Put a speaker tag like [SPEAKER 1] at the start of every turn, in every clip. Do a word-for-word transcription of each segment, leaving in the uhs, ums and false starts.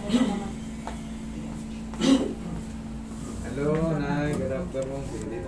[SPEAKER 1] Hello, Nay. Good afternoon. Sige dito.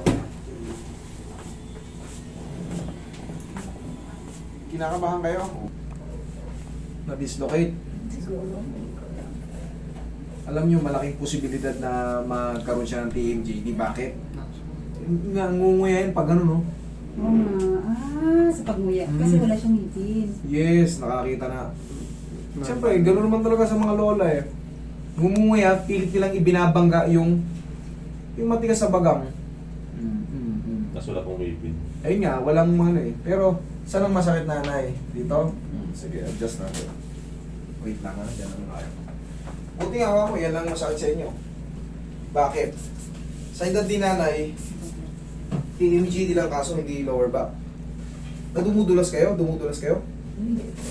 [SPEAKER 1] Kinakabahan kayo? Na-dislocate.
[SPEAKER 2] Siguro.
[SPEAKER 1] Alam niyo, malaking posibilidad na magkaroon siya ng T M J D. Bakit? Nangunguyain pag ano, no?
[SPEAKER 2] Oo nga. Ah, sa pagmuya. Kasi
[SPEAKER 1] Mm.
[SPEAKER 2] wala siyang ngipin.
[SPEAKER 1] Yes, nakakita na. Siyempre, gano'n naman talaga sa mga lola eh. Ngumunguya, pilit nilang ibinabangga yung yung matigas sa bagang. Mm, mm, mm.
[SPEAKER 3] Nas wala pong ngipin.
[SPEAKER 1] Ayun nga, walang ano eh. Pero, saan ang masakit, nanay? Dito? Hmm, sige, adjust natin. Wait lang ha, dyan ang ayaw. Buti nga ako, yan lang masakit sa inyo. Bakit? Sa edad din nanay, T M G D lang kaso, hindi lower back. Nadumudulas kayo? Dumudulas kayo?
[SPEAKER 2] Hindi po.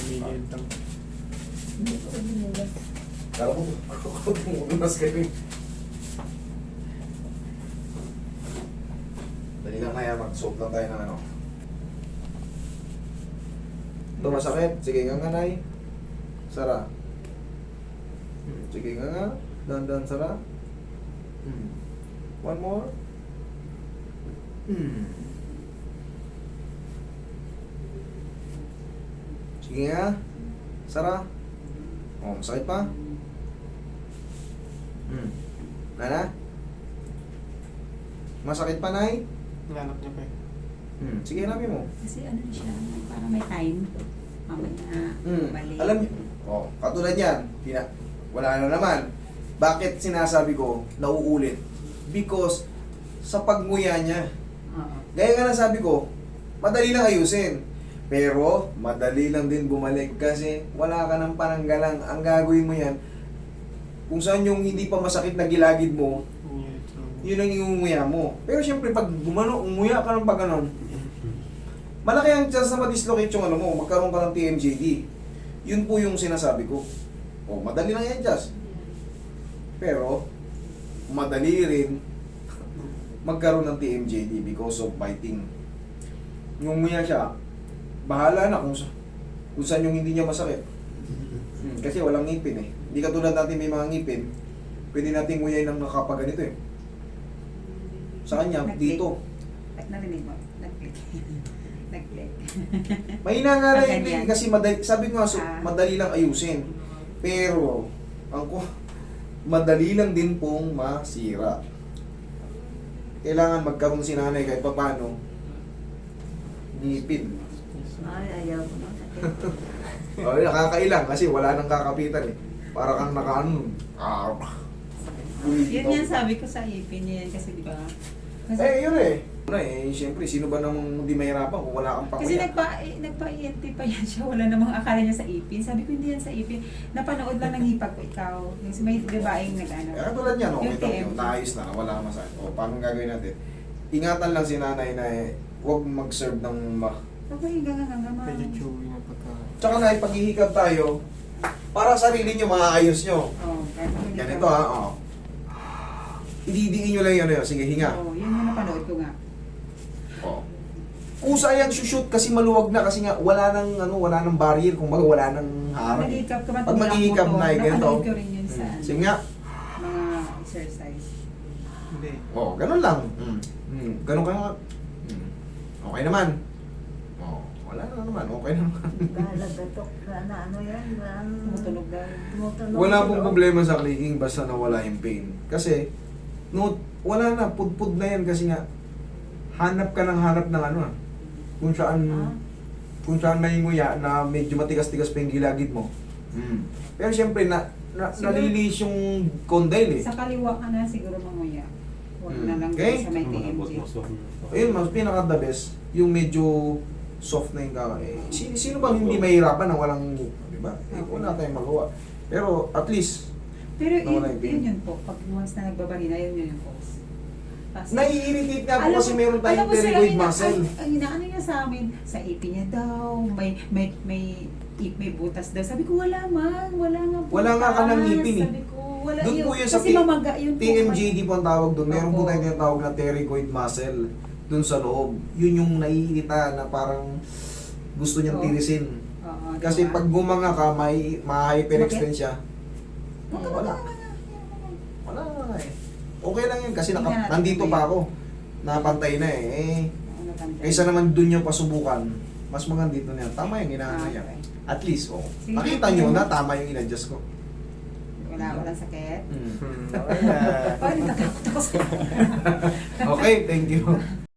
[SPEAKER 2] Hindi po. Hindi po.
[SPEAKER 1] Kala mo, dumudulas kayo eh. Dali lang kaya, mag-soap lang tayo ng ano. Ito masakit. Sige nga nga, nay. Sara. Hmm, Sige nga nga. Dandan, sara. Hmm. One more. Hmm. Sige nga. Sara. Oh, masakit pa. Hmm. Nana? Masakit pa, nay?
[SPEAKER 4] Nanap niya pa eh.
[SPEAKER 1] Hmm. Sige, hanapin mo.
[SPEAKER 2] Kasi ano siya, parang may time. Mamaya,
[SPEAKER 1] Hmm.
[SPEAKER 2] balik.
[SPEAKER 1] Alam niyo, oh, katulad yan, tina, wala na naman. Bakit sinasabi ko, nauulit? Because, sa pagmuya niya,
[SPEAKER 2] Oo.
[SPEAKER 1] gaya nga na sabi ko, madali lang ayusin. Pero, madali lang din bumalik kasi wala ka ng pananggalang. Ang gagawin mo yan, kung saan yung hindi pa masakit na gilagid mo, yun ang iunguya mo. Pero syempre, pag gumano, umuya ka ng pag ganon, malaki ang chance na ma-dislocate yung ano mo, magkaroon ka ng T M J D. Yun po yung sinasabi ko. O, madali lang yan, Jazz. Pero, madali rin magkaroon ng T M J D because of biting. Yung umuya siya, bahala na kung, sa- kung saan yung hindi niya masakit. Hmm, kasi walang ngipin eh. Hindi katulad natin may mga ngipin, pwede nating nguyain ng nakapaganito eh. Sa kanya,
[SPEAKER 2] Nag-click.
[SPEAKER 1] dito.
[SPEAKER 2] At narinig mo, nag-click. Nag-click.
[SPEAKER 1] Mahina nga lang
[SPEAKER 2] Ah,
[SPEAKER 1] yun
[SPEAKER 2] ganyan.
[SPEAKER 1] eh, kasi madali, sabi ko nga, so,
[SPEAKER 2] Ah.
[SPEAKER 1] madali lang ayusin. Pero, ang ko, madali lang din pong masira. Kailangan magkaroon si nanay kahit papano, ngipin.
[SPEAKER 2] Ay, ayaw ko na.
[SPEAKER 1] O, nakakailang kasi wala nang kakapitan eh. Para kang nakaano. Ah,
[SPEAKER 2] Yun yan sabi ko sa ipin niya yan kasi di ba? Kasi,
[SPEAKER 1] eh, yun eh. Una eh, siyempre, sino ba namang hindi mahirapan kung wala kang
[SPEAKER 2] kasi
[SPEAKER 1] pakuya?
[SPEAKER 2] nagpa, eh, nagpa-E N T pa yan siya. Wala namang akala niya sa ipin. Sabi ko hindi yan sa ipin. Napanood lang ng hipag ko ikaw. Yung si may babaeng nag-ano.
[SPEAKER 1] Eh, katulad niyan, okay
[SPEAKER 2] Yung
[SPEAKER 1] ito,
[SPEAKER 2] T M.
[SPEAKER 1] yung naayos na, wala kang masakit. O, paano gagawin natin? Ingatan lang si nanay na eh, huwag mag-serve ng ma...
[SPEAKER 2] Okay, gangan gangan ma.
[SPEAKER 4] Medyo chewy na pagka...
[SPEAKER 1] Tsaka na, paghihikab tayo, para sarili nyo, maayos nyo.
[SPEAKER 2] Oh, ganito.
[SPEAKER 1] Ganito ha, o. Ididiin nyo lang yun, yun. Sige, hinga.
[SPEAKER 2] Oh, yun yung napanood ko nga.
[SPEAKER 1] O. Kusa yan shoot kasi maluwag na kasi nga wala nang ano, wala nang barrier, kung baga wala nang harang.
[SPEAKER 2] Mag-hikab ka man.
[SPEAKER 1] Pag mag-hikab na, eh, ganito.
[SPEAKER 2] Napanood ko rin yun sa ano,
[SPEAKER 1] Sige nga.
[SPEAKER 2] mga exercise.
[SPEAKER 4] Hindi.
[SPEAKER 1] O, ganun lang. Mm. Mm. Ganun ka nga. Mm. Okay naman. O, wala na naman. Okay naman.
[SPEAKER 5] Galagatok na na ano yan, ang
[SPEAKER 2] Tumutunog na.
[SPEAKER 5] tumutunog.
[SPEAKER 1] Wala pong problema sa clicking basta nawala yung pain. Kasi, no, wala na, pudpud na yan kasi nga, hanap ka ng hanap ng ano ah. Kung saan,
[SPEAKER 5] Ah.
[SPEAKER 1] kung saan may nguya na medyo matigas-tigas pa yung gilagid mo. Mm. Pero syempre, na, na,
[SPEAKER 2] Siguro-
[SPEAKER 1] nalilis yung condyle eh.
[SPEAKER 2] Sa kaliwa ka na siguro manguya. Huwag na
[SPEAKER 1] Hmm.
[SPEAKER 2] lang
[SPEAKER 1] Okay.
[SPEAKER 2] sa may T M G.
[SPEAKER 1] Ayun, mas pinaka the best, yung medyo soft na yung kaka. Eh, sino, sino bang hindi mahirapan na walang ngip? Di ba? Eh, wala tayong magawa. Pero at least,
[SPEAKER 2] Pero yun,
[SPEAKER 1] Nawala yung pain.
[SPEAKER 2] yun yun po. Pag once na nagbabarina, yun yun yung cause. Tapos-
[SPEAKER 1] nai-irritate nga po
[SPEAKER 2] Alam
[SPEAKER 1] kasi
[SPEAKER 2] mo-
[SPEAKER 1] meron
[SPEAKER 2] alam
[SPEAKER 1] tayong
[SPEAKER 2] mo sila,
[SPEAKER 1] pterygoid
[SPEAKER 2] ina-
[SPEAKER 1] muscle.
[SPEAKER 2] Ang, ang inaano niya sa amin, sa ipin niya daw, may, may, may, may, may butas daw. Sabi ko, wala man, wala nga butas.
[SPEAKER 1] Wala nga ka ng ngipin eh.
[SPEAKER 2] Sabi ko, wala
[SPEAKER 1] Doon
[SPEAKER 2] yun.
[SPEAKER 1] po yun sa
[SPEAKER 2] Kasi
[SPEAKER 1] T-
[SPEAKER 2] mamaga yun po.
[SPEAKER 1] T M J D po ang tawag doon. Meron po
[SPEAKER 2] Opo.
[SPEAKER 1] tayong tinatawag na pterygoid muscle doon sa loob. Yun yung naiirita na parang gusto niyang
[SPEAKER 2] Oo.
[SPEAKER 1] tirisin.
[SPEAKER 2] Oo,
[SPEAKER 1] Kasi
[SPEAKER 2] diba?
[SPEAKER 1] pag gumanga ka, may ma-hyperextend siya. Wala. Wala nga eh. Okay lang yun kasi
[SPEAKER 2] Tingnan
[SPEAKER 1] naka,
[SPEAKER 2] natin
[SPEAKER 1] nandito
[SPEAKER 2] kung
[SPEAKER 1] pa
[SPEAKER 2] may-
[SPEAKER 1] ako. Napantay na eh. eh
[SPEAKER 2] Ano tanda?
[SPEAKER 1] kaysa naman dun yung pasubukan, mas maganda dito na yan. Tama yung inaano
[SPEAKER 2] Ah,
[SPEAKER 1] niya.
[SPEAKER 2] okay.
[SPEAKER 1] At least, oh.
[SPEAKER 2] Sige.
[SPEAKER 1] Nakita nyo na tama yung in-adjust ko.
[SPEAKER 2] Wala, walang sakit.
[SPEAKER 1] Mm.
[SPEAKER 4] Hmm, okay na.
[SPEAKER 2] Parang natakot ako sa
[SPEAKER 1] Okay, thank you.